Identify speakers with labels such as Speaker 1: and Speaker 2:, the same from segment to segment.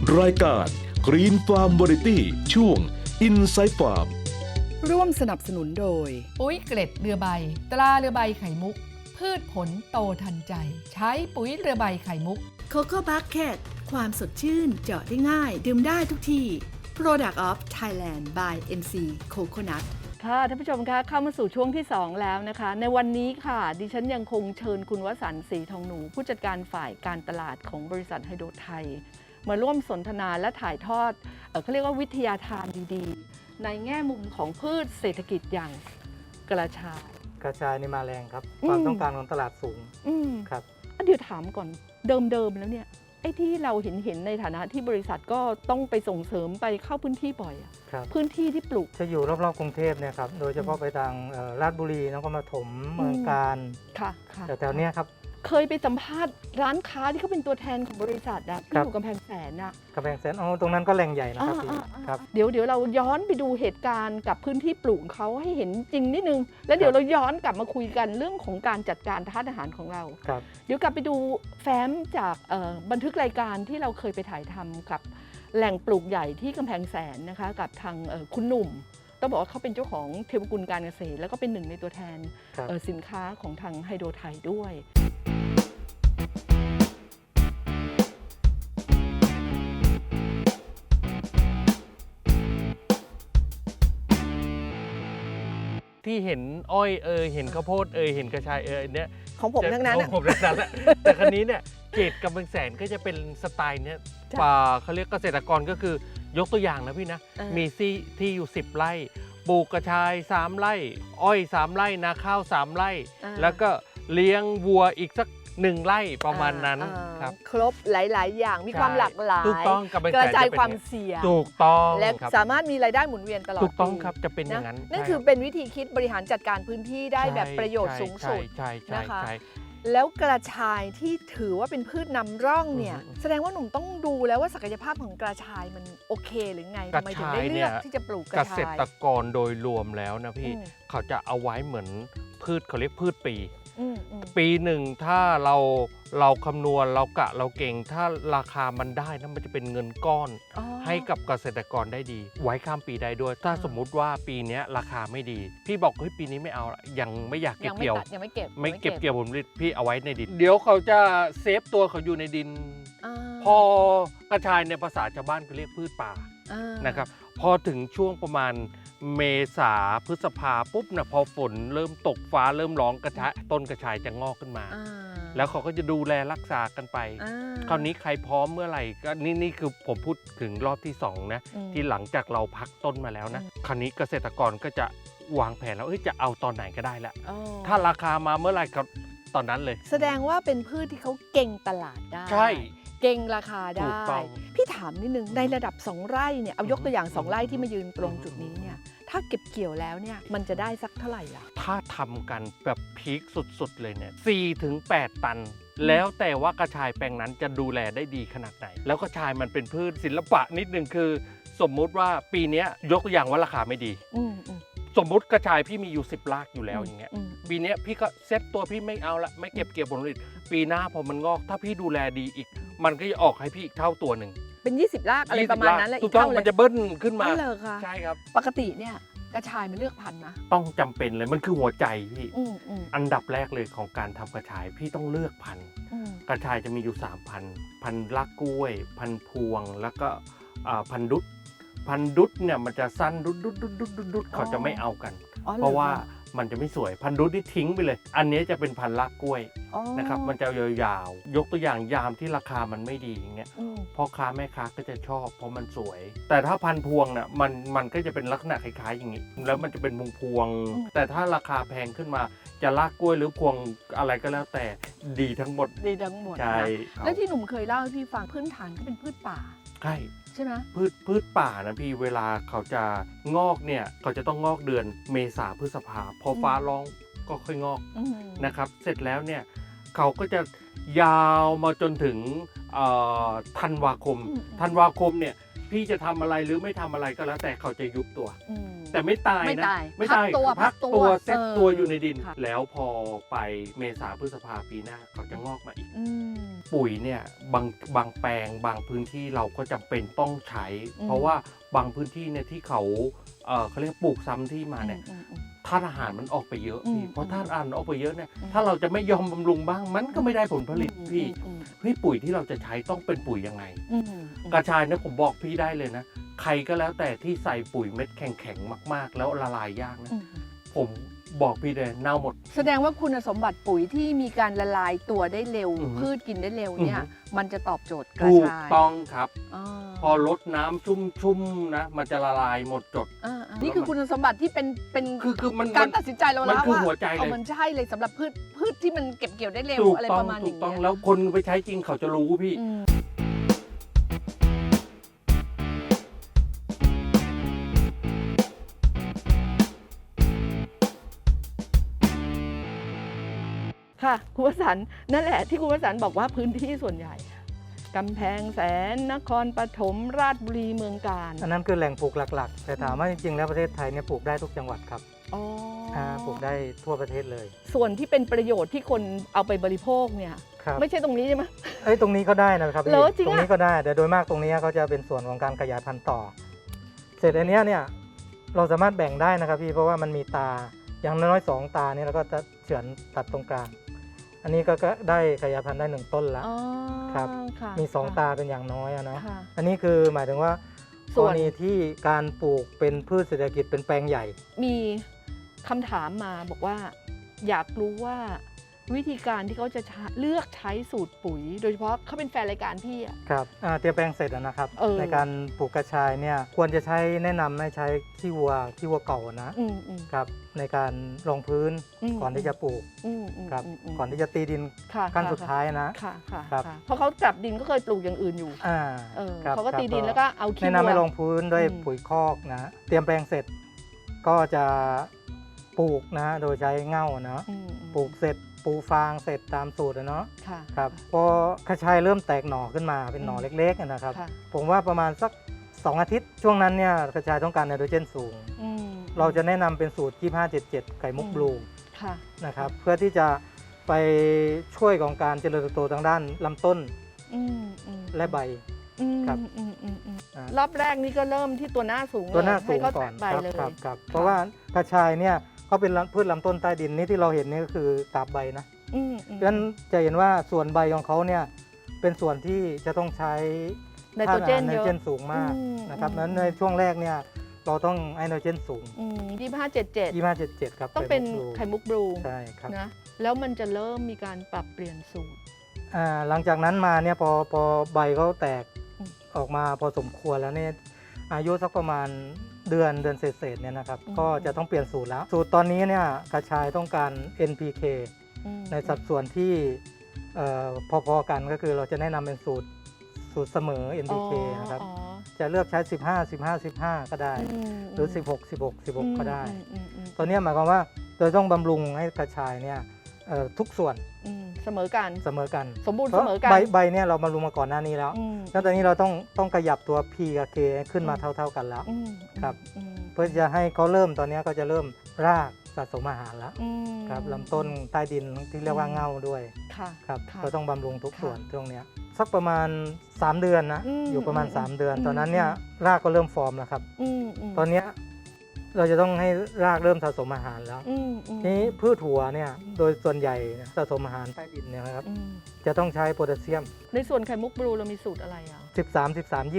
Speaker 1: รายการ Green Farm Variety ช่วง Inside Farm
Speaker 2: ร่วมสนับสนุนโดย
Speaker 3: ปุ๋ยเกล็ดเรือใบตราเรือใบไข่มุกพืชผลโตทันใจใช้ปุ๋ยเรือใบไข่มุก
Speaker 2: Coco Bucket ความสดชื่นเจาะได้ง่ายดื่มได้ทุกที่ Product of Thailand by NC Coconut
Speaker 4: ค่ะท่านผู้ชมคะเข้ามาสู่ช่วงที่ 2 แล้วนะคะ ในวันนี้ค่ะดิฉันยังคงเชิญคุณวสันต์ศรีทองหนูผู้จัดการฝ่ายการตลาดของบริษัทไฮโดรไทยมาร่วมสนทนาและถ่ายทอดเขาเรียกว่าวิทยาทานดีๆ ในแง่มุมของพืชเศรษฐกิจอย่างกระชาย
Speaker 5: กระชายนี่มาแรงครับความต้องการของตลาดสูงครับ
Speaker 4: เดี๋ยวถามก่อนเดิมๆแล้วเนี่ยไอ้ที่เราเห็นในฐานะที่บริษัทก็ต้องไปส่งเสริมไปเข้าพื้นที่บ่อยอะ
Speaker 5: ครับ
Speaker 4: พื้นที่ที่ปลูก
Speaker 5: จะอยู่รอบๆกรุงเทพเนี่ยครับโดยเฉพาะไปทางราชบุรีนครปฐมเมืองการ
Speaker 4: ค่ะ
Speaker 5: แถวๆเนี้ยครับ
Speaker 4: เคยไปสัมภาษณ์ร้านค้าที่เขาเป็นตัวแทนของบริษัทอะที่
Speaker 5: ครับ
Speaker 4: อยู่กำแพงแสนอะ
Speaker 5: กำแพงแสนตรงนั้นก็แหล่งใหญ่นะครับพี่ครับ
Speaker 4: เดี๋ยวเราย้อนไปดูเหตุการณ์กับพื้นที่ปลูกเขาให้เห็นจริงนิดนึง แล้วเดี๋ยวเราย้อนกลับมาคุยกันเรื่องของการจัดการทานอาหารของเรา
Speaker 5: ครับ
Speaker 4: เดี๋ยวกลับไปดูแฟ้มจากบันทึกรายการที่เราเคยไปถ่ายทำกับแหล่งปลูกใหญ่ที่กำแพงแสนนะคะกับทางคุณหนุ่มต้องบอกว่าเขาเป็นเจ้าของเทวกุลการเกษตรแล้วก็เป็นหนึ่งในตัวแทน
Speaker 5: ครับ
Speaker 4: สินค้าของทางไฮโดรไทยด้วย
Speaker 6: ที่เห็นอ้อยเห็นข้าวโพดเห็นกระชายเนี่ย
Speaker 4: ของผมทั้งนั้น
Speaker 6: ของผมทั้งนั้นแหละแต่ครั้นี้เนี่ยเกตกำแพงแสนก็จะเป็นสไตล์เนี้ย
Speaker 4: จ้ะ
Speaker 6: ป่าเขาเรียกเกษตรกรก็คือยกตัวอย่างนะพี่นะ มีที่อยู่10 ไร่ปลูกกระชาย3 ไร่อ้อย3 ไร่นาข้าว3 ไร่ แล้วก็เลี้ยงวัวอีกสัก1 ไร่ประมาณนั้นครับ
Speaker 4: ครบหลาย ๆ อย่างมีความหลากหลาย
Speaker 6: ถูกต้องกำแพง
Speaker 4: ก
Speaker 6: แส
Speaker 4: ระ
Speaker 6: น
Speaker 4: จาย
Speaker 6: จะเป็น
Speaker 4: ความเสี่ยง
Speaker 6: ถูกต้อง
Speaker 4: และ
Speaker 6: ครับ
Speaker 4: สามารถมีรายได้หมุนเวียนตลอด
Speaker 6: ถูกต้อง
Speaker 4: ปี
Speaker 6: ครับจะเป็นอย่างนั้น
Speaker 4: นั่น
Speaker 6: ใช่
Speaker 4: คือ
Speaker 6: รับ
Speaker 4: เป็นวิธีคิดบริหารจัดการพื้นที่ได้แบบประโยชน์สูงสุด
Speaker 6: ใช่
Speaker 4: นะคะ
Speaker 6: ใช่
Speaker 4: แล้วกระชายที่ถือว่าเป็นพืชนำร่องเนี่ย
Speaker 6: อืม
Speaker 4: แสดงว่าหนุ่มต้องดูแล้วว่าศักยภาพของกระชายมันโอเคหรือไง
Speaker 6: กระ
Speaker 4: ทำไมถึง
Speaker 6: ชาย
Speaker 4: ได้เลือก
Speaker 6: เนี่ย
Speaker 4: ที่จะปลูกก
Speaker 6: เก
Speaker 4: ระ
Speaker 6: ษ
Speaker 4: ชาย
Speaker 6: ตรกรโดยรวมแล้วนะพี่
Speaker 4: อืม
Speaker 6: เขาจะเอาไว้เหมือนพืชเขาเรียกพืชปี
Speaker 4: อืม
Speaker 6: ปีหนึ่งถ้าเราคำนวณเรากะเราเก่ง ถ้าราคามันได้นะมันจะเป็นเงินก้อน
Speaker 4: อ๋อ
Speaker 6: ให้กับเกษตรกรได้ดี ไว้ข้ามปีได้ด้วย ถ้าสมมุติว่าปีเนี้ยราคาไม่ดี พี่บอกเฮ้ยปีนี้ไม่เอาละยังไม่อยากเก็
Speaker 4: ยั
Speaker 6: บ
Speaker 4: งไม่
Speaker 6: เกี่ยว
Speaker 4: ตัดยังไม่เก็บ
Speaker 6: ไม่เก็บเกี่ยวผลผลิตพี่เอาไว้ในดิน เดี๋ยวเขาจะเซฟตัวเขาอยู่ในดิน
Speaker 4: อ่า
Speaker 6: พอกระชายในภาษาชาวบ้านเขาเรียกพืชป่า
Speaker 4: อ่า
Speaker 6: นะครับพอถึงช่วงประมาณเมษาพฤษภาปุ๊บนะพอฝนเริ่มตกฟ้าเริ่มร้องต้นกระชายจะงอกขึ้นมา
Speaker 4: อ่า
Speaker 6: แล้วเขาก็จะดูแลรักษากันไป
Speaker 4: อ่า
Speaker 6: คราวนี้ใครพร้อมเมื่อไหร่ก็นี่คือผมพูดถึงรอบที่2นะ
Speaker 4: อืม
Speaker 6: ที่หลังจากเราพักต้นมาแล้วนะคราวนี้เกษตรกรก็จะวางแผนแล้วจะเอาตอนไหนก็ได้ละ
Speaker 4: อ๋อ
Speaker 6: ถ้าราคามาเมื่อไหร่ก็ตอนนั้นเลย
Speaker 4: แสดงว่าเป็นพืชที่เขาเก่งตลาดได้
Speaker 6: ใช่
Speaker 4: เก่งราคา
Speaker 6: ถู
Speaker 4: ได้
Speaker 6: กต้อง
Speaker 4: พี่ถามนิดนึงในระดับ 2 ไร่เนี่ยเอายกตัวอย่าง 2 ไร่ที่มายืนตรงจุดนี้เนี่ยถ้าเก็บเกี่ยวแล้วเนี่ยมันจะได้สักเท่าไหร่ล่ะ
Speaker 6: ถ้าทำกันแบบพีคสุดๆเลยเนี่ย4 ถึง 8 ตัน แล้วแต่ว่ากระชายแปลงนั้นจะดูแลได้ดีขนาดไหน แล้วกระชายมันเป็นพืชศิลปะนิดนึงคือ สมมุติว่าปีเนี้ยยกตัวอย่างว่าราคาไม่ดี
Speaker 4: อืม
Speaker 6: สมมุติกระชายพี่มีอยู่10 รากอยู่แล้วอย่างเงี้ย
Speaker 4: อืม
Speaker 6: ปีเนี้ยพี่ก็เซ็ตตัวพี่ไม่เอาละไม่เก็บเกี่ยวผลผลิตปีหน้าพอมันงอกถ้าพี่ดูแลดีอีก มันก็จะออกให้พี่อีกเท่าตัวหนึ่ง
Speaker 4: เป็น 20 รากอะไรประมาณนั้นแหละ
Speaker 6: ถู
Speaker 4: อี
Speaker 6: ก
Speaker 4: ก
Speaker 6: ต้อง
Speaker 4: เท่าเล
Speaker 6: มัน
Speaker 4: ย
Speaker 6: จะเบิ้ลขึ้นมา
Speaker 4: อ๋อเหรอคะ
Speaker 6: ใช่ครับ
Speaker 4: ปกติเนี่ยกระชายมันเลือกพันธุ์นะ
Speaker 6: ต้องจำเป็นเลยมันคือหัวใจพี่
Speaker 4: อืม
Speaker 6: อันดับแรกเลยของการทำกระชายพี่ต้องเลือกพันธุ์ กระชายจะมีอยู่3 พันธุ์พันธุ์ลักกล้วย พันธุ์พวงแล้วก็พันธุ์ดุดพันธุ์ดุดเนี่ยมันจะสั้นดุดเขาจะไม่เอากัน
Speaker 4: อ๋อหอ
Speaker 6: เพราะว่า
Speaker 4: ค
Speaker 6: มันจะไม่สวยพันธุ์ดุดนี่ทิ้งไปเลย อันนี้จะเป็นพันธุ์ลักกล้วย
Speaker 4: อ๋อ
Speaker 6: นะครับมันจะยาวๆยกตัวอย่างยามที่ราคามันไม่ดีอย่างเงี้ย
Speaker 4: อืม
Speaker 6: พ่อค้าแม่ค้าก็จะชอบเพราะมันสวย แต่ถ้าพันธุ์พวงน่ะมันก็จะเป็นลักษณะคล้ายๆอย่างนี้แล้วมันจะเป็นพวงๆแต่ถ้าราคาแพงขึ้นมาจะลากกล้วยหรือพวงอะไรก็แล้วแต่ดีทั้งหมด
Speaker 4: ดีทั้งหมด
Speaker 6: ใช่
Speaker 4: นะแล้วที่หนุ่มเคยเล่าให้พี่ฟังพื้นฐานก็เป็นพืชป่า
Speaker 6: ใช่
Speaker 4: ใช่ไหม
Speaker 6: พืชป่านะพี่เวลาเขาจะงอกเนี่ยเขาจะต้องงอกเดือนเมษาพฤษภาพอฟ้าร้องก็ค่อยงอก
Speaker 4: อืม
Speaker 6: นะครับเสร็จแล้วเนี่ยเขาก็จะยาวมาจนถึงธันวาคมเนี่ยพี่จะทำอะไรหรือไม่ทำอะไรก็แล้วแต่เขาจะยุบตัว
Speaker 4: อืม
Speaker 6: แต่ไม่ตาย
Speaker 4: ไม่
Speaker 6: นะ
Speaker 4: ตาย
Speaker 6: ไม่
Speaker 4: พั
Speaker 6: ตาก ย
Speaker 4: ตัว
Speaker 6: พักตัวเซ็ตตัว
Speaker 4: เออ
Speaker 6: อยู่ในดิน
Speaker 4: ค่ะ
Speaker 6: แล้วพอไปเมษาพฤษภาปีหน้าเขาจะงอกมาอีก
Speaker 4: อืม
Speaker 6: ปุ๋ยเนี่ยบางแปลงบางพื้นที่เราก็จำเป็นต้องใช้ เพราะว่าบางพื้นที่เนี่ยที่เขาเรียกปลูกซ้ำที่มาเนี่ยธาตุอาหารมันออกไปเยอะพี่เพราะธาตุอาหารออกไปเยอะเนี่ยถ้าเราจะไม่ยอมบำรุงบ้างมันก็ไม่ได้ผลผลิตพี่ปุ๋ยที่เราจะใช้ต้องเป็นปุ๋ยยังไงกระชายเนี่ยผมบอกพี่ได้เลยนะใครก็แล้วแต่ที่ใส่ปุ๋ยเม็ดแข็งๆมากๆแล้วละลายยากนะผมบอกพี่เลยเน่าหมด
Speaker 4: แสดงว่าคุณสมบัติปุ๋ยที่มีการละลายตัวได้เร็วพืชกินได้เร็วเนี่ยมันจะตอบโจทย์กระชายถูก
Speaker 6: ต้องครับพอลดน้ำชุ่มๆนะมันจะละลายหมดจด
Speaker 4: นี่คือคุณสมบัติที่เป็น
Speaker 6: คือมัน
Speaker 4: การตัดสินใจเราแล้วว่า
Speaker 6: มัน
Speaker 4: ใช่เลยสำหรับพืชที่มันเก็บเกี่ยวได้เร็วอะไรประมาณนี้ถูก
Speaker 6: ต้องแล้วคนไปใช้จริงเขาจะรู้พี่
Speaker 4: ค่ะคุณวสันต์นั่นแหละที่คุณวสันต์บอกว่าพื้นที่ส่วนใหญ่กำแพงแสนนครปฐมราชบุรีเมืองกาญ
Speaker 5: อันนั้นคือแหล่งปลูกหลักๆแต่ถามว่าจริงๆแล้วประเทศไทยเนี่ยปลูกได้ทุกจังหวัดครับปลูกได้ทั่วประเทศเลย
Speaker 4: ส่วนที่เป็นประโยชน์ที่คนเอาไปบริโภคเนี่ยไม่ใช่ตรงนี้ใช่ไหม
Speaker 5: ตรงนี้ก็ได้นะครับตรงนี้ก็ได้แต่โดยมากตรงนี้เขาจะเป็นส่วนของการขยายพันธุ์ต่อเสร็จอันนี้เนี่ยเราสามารถแบ่งได้นะครับพี่เพราะว่ามันมีตาอย่างน้อย2ตานี่เราก็จะเฉือนตัดตรงกลางอันนี้ก็ได้ขยายพันธุ์ได้1ต้นแล้วครับมี2ตาเป็นอย่างน้อยนะอันนี้คือหมายถึงว่ากรณีที่การปลูกเป็นพืชเศรษฐกิจเป็นแปลงใหญ่
Speaker 4: มีคำถามมาบอกว่าอยากรู้ว่าวิธีการที่เขาจะเลือกใช้สูตรปุ๋ยโดยเฉพาะเขาเป็นแฟนรายการพี่
Speaker 5: ครับเตรียมแปลงเสร็จนะครับในการปลูกกระชายเนี่ยควรจะใช้แนะนำให้ใช้ขี้วัวเก่านะครับในการรองพื้นก่อนที่จะปลูกครับก่อนที่จะตีดินขั้นสุดท้ายนะครับ
Speaker 4: เพราะเขากลับดินก็เคยปลูกอย่างอื่นอยู่เขาก็ตีดินแล้วก็เอาขี้วัว
Speaker 5: แนะนำให้รองพื้นด้วยปุ๋ยคอกนะเตรียมแปลงเสร็จก็จะปลูกนะโดยใช้เง่านะปลูกเสร็จปูฟางเสร็จตามสูตรเนาะครับพอกระชายเริ่มแตกหน่อขึ้นมาเป็นหน่อเล็กๆนะครับผมว่าประมาณสัก2 อาทิตย์ช่วงนั้นเนี่ยกระชายต้องการไนโตรเจนสูงเราจะแนะนำเป็นสูตร2577ไข่มุกบลูนะครับเพื่อที่จะไปช่วยของการเจริญเติบโตทางด้านลำต้นและใบครับ
Speaker 4: รอบแรกนี่ก็เริ่มที่ตัวหน้าสูง
Speaker 5: ก่อนครับเพราะว่ากระชายเนี่ยเขาเป็นพืชลำต้นใต้ดินนี่ที่เราเห็นนี่ก็คือกาบใบนะเพราะฉะนั้นจะเห็นว่าส่วนใบของเขาเนี่ยเป็นส่วนที่จะต้องใช้
Speaker 4: ไนโตรเจน
Speaker 5: สูงมากนะครับนั้นในช่วงแรกเนี่ยเราต้องไนโตรเจนสูง
Speaker 4: 2577
Speaker 5: ครับ
Speaker 4: ต้องเป็นไข่มุกบลู
Speaker 5: ใช่ครับ
Speaker 4: นะแล้วมันจะเริ่มมีการปรับเปลี่ยนสูตร
Speaker 5: หลังจากนั้นมาเนี่ยพอใบเขาแตกออกมาพอสมควรแล้วเนี่ยอายุสักประมาณเดือนเศษเนี่ยนะครับก็จะต้องเปลี่ยนสูตรแล้วสูตรตอนนี้เนี่ยกระชายต้องการ NPK ในสัดส่วนที่พอๆกันก็คือเราจะแนะนำเป็นสูตรเสมอ NPK นะครับจะเลือกใช้15 ก็ได้หรือ16 ก็ได้ตัวนี้หมายความว่าเราต้องบำรุงให้กระชายเนี่ยทุกส่วน
Speaker 4: เสมอกันสมบูรณ์เสมอกัน
Speaker 5: ใบเนี่ยเราบำรุงมาก่อนหน้านี้แล้วแล้วตอนนี้เราต้องขยับตัว P กับ K ขึ้นมาเท่ากันแล้วครับเพื่อจะให้เขาเริ่มตอนนี้ก็จะเริ่มรากสะสมอาหารแล้วครับลำต้นใต้ดินที่เรียกว่าเง่าด้วยครับก็ต้องบำรุงทุกส่วนตรงนี้สักประมาณ3 เดือนนะอยู่ประมาณ3 เดือนตอนนั้นเนี่ยรากก็เริ่มฟอร์มแล้วครับตอนนี้เราจะต้องให้รากเริ่มสะสมอาหารแล้วนี้พืชถั่วเนี่ยโดยส่วนใหญ่สะสมอาหารใต้ดินเนี่ยครับจะต้องใช้โพแทสเซียม
Speaker 4: ในส่วนไข่มุกบลูเรามีสูตรอะไร
Speaker 5: 13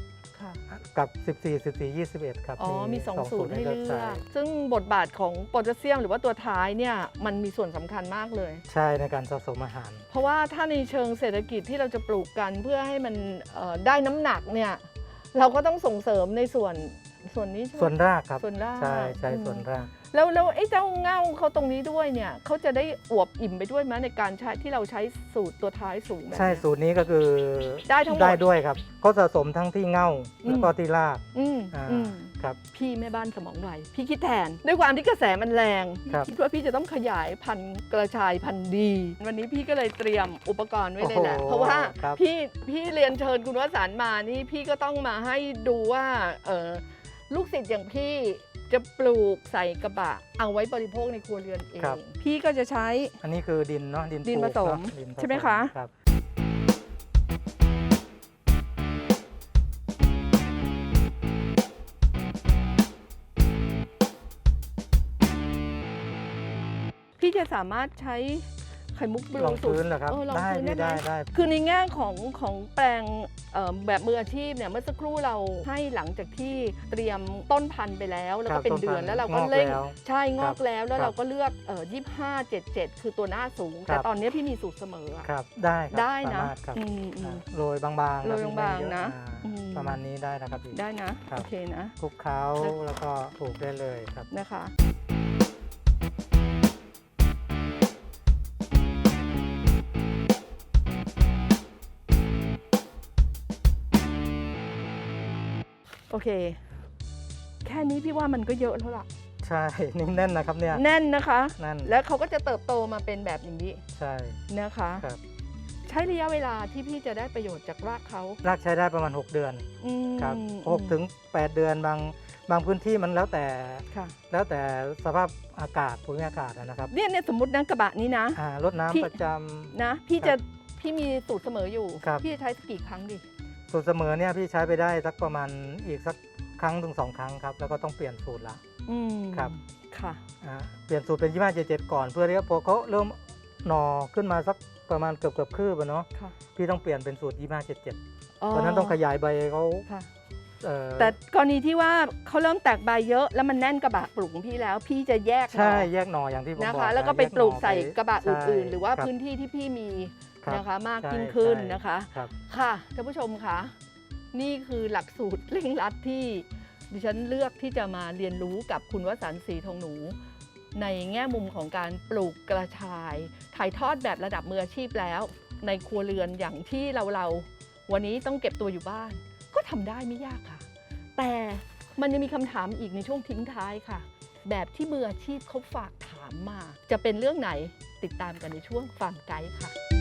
Speaker 5: 21กับ14 21ครับ
Speaker 4: มี2 สูตรให้เลือกซึ่งบทบาทของโพแทสเซียมหรือว่าตัวท้ายเนี่ยมันมีส่วนสำคัญมากเลย
Speaker 5: ใช่ในการสะสมอาหาร
Speaker 4: เพราะว่าถ้าในเชิงเศรษฐกิจที่เราจะปลูกกันเพื่อให้มันได้น้ำหนักเนี่ยเราก็ต้องส่งเสริมในส่วนนี้
Speaker 5: ส่วนรากครับ
Speaker 4: ส่วนราก
Speaker 5: ใช่ส่วนราก
Speaker 4: แล้วไอ้เจ้าเง่าเขาตรงนี้ด้วยเนี่ยเขาจะได้อวบอิ่มไปด้วยไหมในการใช้ที่เราใช้สูตรตัวท้ายสูง
Speaker 5: ใช่สูตรนี้ก็คือ
Speaker 4: ได้ทั้งหมด
Speaker 5: ได้ด้วยครับเขาสะสมทั้งที่เง่าแล้วก็ที่รากครับ
Speaker 4: พี่แม่บ้านสมองไวพี่คิดแทนด้วยความที่กระแสมันแรงคิดว่าพี่จะต้องขยายพันธุ์กระชายพันธุ์ดีวันนี้พี่ก็เลยเตรียมอุปกรณ์ไว้เลยแหละเพราะว่าพี่เรียนเชิญคุณวสันต์มานี่พี่ก็ต้องมาให้ดูว่าลูกศิษย์อย่างพี่จะปลูกใส่กระบะเอาไว้บริโภคในครัวเรือนเองพี่ก็จะใช้
Speaker 5: อันนี้คือดินเนาะ
Speaker 4: ดินผสมใช่ไหมคะจะสามารถใช้ไข่มุกบลู
Speaker 5: รองพื้นเหรอครับ
Speaker 4: รองพื้น
Speaker 5: ได้
Speaker 4: ได้ไหม
Speaker 5: ได้
Speaker 4: คือในแง่ของแปลงแบบมืออาชีพเนี่ยเมื่อสักครู่เราให้หลังจากที่เตรียมต้นพันธุ์ไปแล้วแล้ว
Speaker 5: ครั
Speaker 4: ก็
Speaker 5: บ
Speaker 4: เป็น
Speaker 5: ต้น
Speaker 4: เดือน
Speaker 5: พันธุ์
Speaker 4: แล้วเราก็
Speaker 5: งอก
Speaker 4: เร่ง
Speaker 5: แล้ว
Speaker 4: ใช่งอกแล้วแล้ว
Speaker 5: ครับ
Speaker 4: เราก็เลือก2577 คือตัวหน้าสูง
Speaker 5: ครับ
Speaker 4: แต่ตอนนี้พี่มีสูตรเสมออะ
Speaker 5: ครับได้ครับ
Speaker 4: ได้นะ
Speaker 5: สามารถครับ
Speaker 4: อืม
Speaker 5: โรยบางๆ
Speaker 4: โรย
Speaker 5: ครับ
Speaker 4: บางๆ
Speaker 5: ไม่เยอ
Speaker 4: นะ
Speaker 5: อ่าประมาณนี้ได้นะครับพี่
Speaker 4: ได้นะครับ โอเคนะ
Speaker 5: คลุกเคล้าแล้วก็ปลูกได้เลยครับ
Speaker 4: นะคะ โอเค แค่นี้พี่ว่ามันก็เยอะแล้วล่ะ
Speaker 5: ใช่ นี่แน่นนะครับเนี่ย
Speaker 4: แน่นนะคะ
Speaker 5: แน่น
Speaker 4: แล้วเขาก็จะเติบโตมาเป็นแบบอย่างนี้
Speaker 5: ใช่
Speaker 4: นะคะ
Speaker 5: ครับ
Speaker 4: ใช้ระยะเวลาที่พี่จะได้ประโยชน์จากรากเขา
Speaker 5: รากใช้ได้ประมาณ 6 เดือน
Speaker 4: อืม
Speaker 5: ครับ6 ถึง 8 เดือนบางพื้นที่มันแล้วแต่
Speaker 4: ค่ะ
Speaker 5: แล้วแต่สภาพอากาศภูมิอากาศนะครับ
Speaker 4: เนี่ยสมมตินะกระบะนี้นะ
Speaker 5: รด
Speaker 4: พี่
Speaker 5: น้ำประจำ
Speaker 4: นะพี่มีสูตรเสมออยู่
Speaker 5: ครับ
Speaker 4: พี่จะใช้สักกี่ครั้งดิ
Speaker 5: สูตรเสมอเนี่ยพี่ใช้ไปได้สักประมาณอีกสักครั้งถึง 2 ครั้งครับแล้วก็ต้องเปลี่ยนสูตรละ
Speaker 4: อืม
Speaker 5: ครับ
Speaker 4: ค่ะ
Speaker 5: เปลี่ยนสูตรเป็น2577ก่อนเพื่อที่พอเขาเริ่มหน่อขึ้นมาสักประมาณเกือบคืบอะเนาะ
Speaker 4: ค่ะ
Speaker 5: พี่ต้องเปลี่ยนเป็นสูตร2577
Speaker 4: อ๋อ
Speaker 5: เพราะฉะนั้นต้องขยายใบเขา
Speaker 4: ค่ะ
Speaker 5: เอ่อ
Speaker 4: แต่กรณีที่ว่าเขาเริ่มแตกใบเยอะแล้วมันแน่นกระบะปลูกของพี่แล้ว พี่จะแยกหน่อ
Speaker 5: ใช่แยกหน่ออย่างที่ผม
Speaker 4: นะ
Speaker 5: บอก
Speaker 4: คะแล้วก็ไป
Speaker 5: แย
Speaker 4: ปลูก
Speaker 5: หน่อ
Speaker 4: ใส่
Speaker 5: ไป
Speaker 4: กระบะอื่นๆ หรือว่า
Speaker 5: ใช่
Speaker 4: พื้นที่ที่พี่มี
Speaker 5: ครับ
Speaker 4: นะคะมาก
Speaker 5: ใช่
Speaker 4: ยิ่งขึ้น
Speaker 5: ใช่
Speaker 4: นะคะ
Speaker 5: ครับ
Speaker 4: ค่ะท่านผู้ชมคะนี่คือหลักสูตรเร่งรัดที่ดิฉันเลือกที่จะมาเรียนรู้กับคุณวสันต์ศรีทองหนู ในแง่มุมของการปลูกกระชาย ถ่ายทอดแบบระดับมืออาชีพแล้ว ในครัวเรือนอย่างที่เราวันนี้ต้องเก็บตัวอยู่บ้าน ก็ทำได้ไม่ยากค่ะ แต่มันยังมีคำถามอีกในช่วงทิ้งท้ายค่ะ แบบที่มืออาชีพเขาฝากถามมา จะเป็นเรื่องไหนติดตามกันในช่วงฟังไกด์ค่ะ